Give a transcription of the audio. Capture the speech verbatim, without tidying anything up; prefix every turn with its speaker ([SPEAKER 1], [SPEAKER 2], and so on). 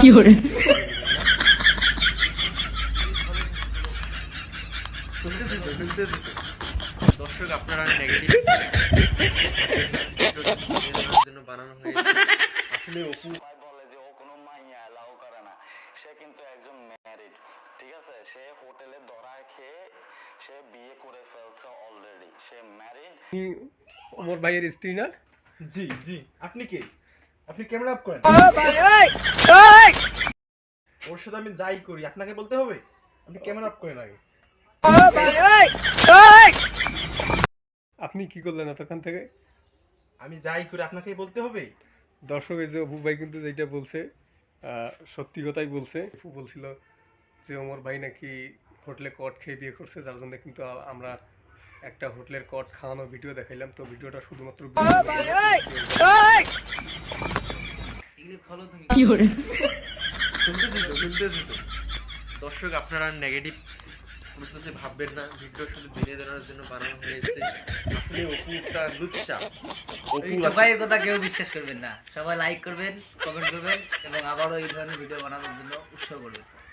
[SPEAKER 1] দর্শক আপনারা নেগেটিভ জন্য বানানো হয়েছে। আসলে অপু
[SPEAKER 2] বলে যে ও কোনো মাইয়া এলাও করে না, সে কিন্তু একজন ম্যারিড, ঠিক আছে? সে হোটেলে ধরা খেয়ে সে বিয়ে করে ফেলছে অলরেডি, সে ম্যারিড।
[SPEAKER 3] ওমর ভাইয়ের স্ত্রী না?
[SPEAKER 4] জি জি। আপনি কে? আপনি ক্যামেরা অফ করেন। ওর সাথে আমি যাই করি আপনাকে বলতে হবে? আপনি ক্যামেরা অফ করেন আগে।
[SPEAKER 3] আপনি কি করলেন এতক্ষণ থেকে?
[SPEAKER 4] আমি যাই করি আপনাকেই বলতে হবে?
[SPEAKER 3] দর্শক এই যে অপু ভাই কিন্তু যেটা বলছে আহ, সত্যি কথাই বলছে। অপু বলছিল যে ওমর ভাই নাকি হোটেলে কট খেয়ে বিয়ে করছে, যার জন্য কিন্তু আ- আমরা একটা হোটেলের কট খাওয়ানো ভিডিও দেখাইলাম। তো ভিডিওটা শুধুমাত্র
[SPEAKER 1] শুনতেছি তো শুনতেছি তো দর্শক আপনারা নেগেটিভ প্রসেসে ভাববেন না, ভিডিও শুধু বিনোদনের জন্য বানানো হয়েছে। আসলে অপুটা লুচ্চা। অপু
[SPEAKER 5] এই ভাইয়ের কথা কেউ বিশ্বাস করবেন না। সবাই লাইক করবেন, কমেন্ট করবেন এবং আবারও এই ধরনের ভিডিও বানানোর জন্য উৎসাহ করবেন।